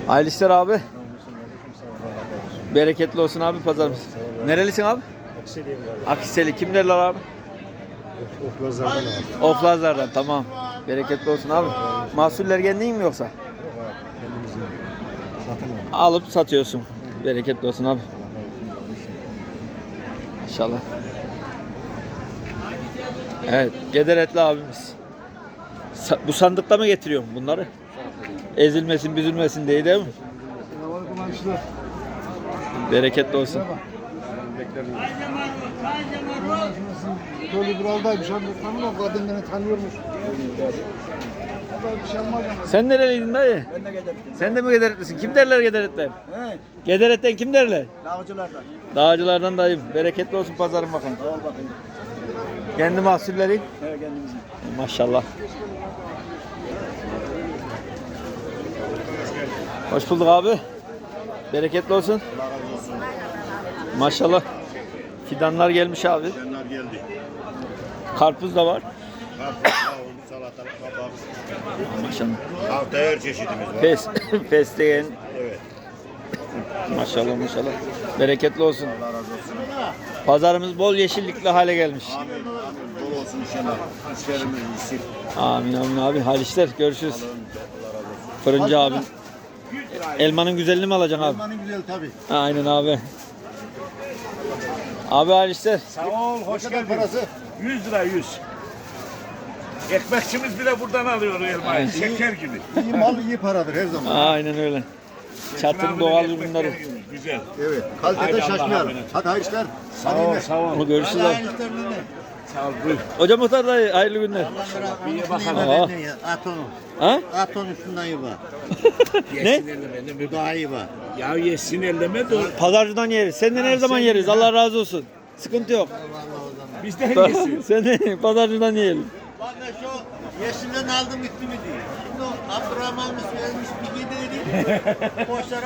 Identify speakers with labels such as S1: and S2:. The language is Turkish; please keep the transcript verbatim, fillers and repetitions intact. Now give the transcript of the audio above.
S1: Hayırlı işler abi. Bereketli olsun abi pazarımız. Nerelisin abi? Akhiseli. Kim derler abi?
S2: Oflazlardan abi.
S1: Oflazlardan, tamam. Bereketli olsun abi. Mahsuller kendin mi yoksa? Alıp satıyorsun. Bereketli olsun abi. İnşallah. Evet, Gederetli abimiz. Sa- bu sandıkta mı getiriyorum bunları? Ezilmesin, büzülmesin diye değil mi? Bereketli olsun.
S2: Böyle bir aldaymış abi. Tanımam, kadın beni tanıyormuş. Bir şey olmaz ama.
S1: Sen nereliydin dayı?
S2: Ben de gelirim.
S1: Sen de mi Gederetlisin? Kim derler Gederet'ten?
S2: He,
S1: Gederet'ten kim derler?
S2: dağcılardan.
S1: Dağcılardan dayım. Bereketli olsun pazarın bakalım.
S2: Sağ ol bakayım.
S1: Kendi mahsulleri.
S2: He, kendimizin.
S1: Maşallah. Hoş bulduk abi. Bereketli olsun.
S2: Allah razı olsun.
S1: Maşallah. Fidanlar gelmiş abi.
S2: Canlar geldi.
S1: Karpuz da var.
S2: Karpuz, kavun, salatalık, kabak.
S1: Maşallah.
S2: Haftaya her çeşidimiz var.
S1: Pes, fesleğen.
S2: Evet.
S1: Maşallah maşallah. Bereketli olsun.
S2: Allah razı olsun.
S1: Pazarımız bol yeşillikli hale gelmiş.
S2: Amin. Amin. Bol olsun inşallah. İşlerimiz iyisin.
S1: Amin amin abi. Hayırlı işler. Görüşürüz.
S2: Allah razı olsun.
S1: Fırıncı abi. Elmanın güzelliğini mi alacaksın abi?
S2: Elmanın güzel tabii.
S1: Aynen abi. Abi hayırlı işler.
S3: Sağ ol, hoş
S2: Ne kadar
S3: geldin.
S2: parası?
S3: yüz lira yüz. Ekmekçimiz bile buradan alıyor o elmayı, şeker gibi.
S2: İyi mal iyi paradır her zaman.
S1: Aynen öyle. Çatın doğal
S3: Ekmekler
S1: ürünleri.
S3: gibi, güzel.
S2: Evet.
S3: Haydi
S2: Kalitede
S3: Allah'a
S2: şaşmayalım.
S3: emanet.
S2: Hadi hayırlı işler.
S3: Sağ ol, sağ ol.
S1: Onu görüşürüz
S2: Hadi
S1: abi.
S2: hayırlı işler nene.
S3: Sağ ol, buyur.
S1: Hocam Muhtar dayı hayırlı günler.
S3: Bir ye
S1: Aa.
S3: bakalım.
S4: At onu.
S1: Ha?
S4: At onu şundan iyi bak.
S1: Ne?
S3: Yesin elleme, ne
S4: Bu
S3: bir
S4: daha iyi bak.
S3: Ya yesin elleme de
S1: Pazarcıdan yeriz. Senden her zaman yeriz. Allah razı olsun. Sıkıntı yok.
S3: bizden yesin.
S1: Seni pazarcıdan yiyelim.
S4: Bak ben şu yeşilden aldım gitti mi diye. Şimdi o Abdurrahman mı vermiş bir gideydi. Boşlara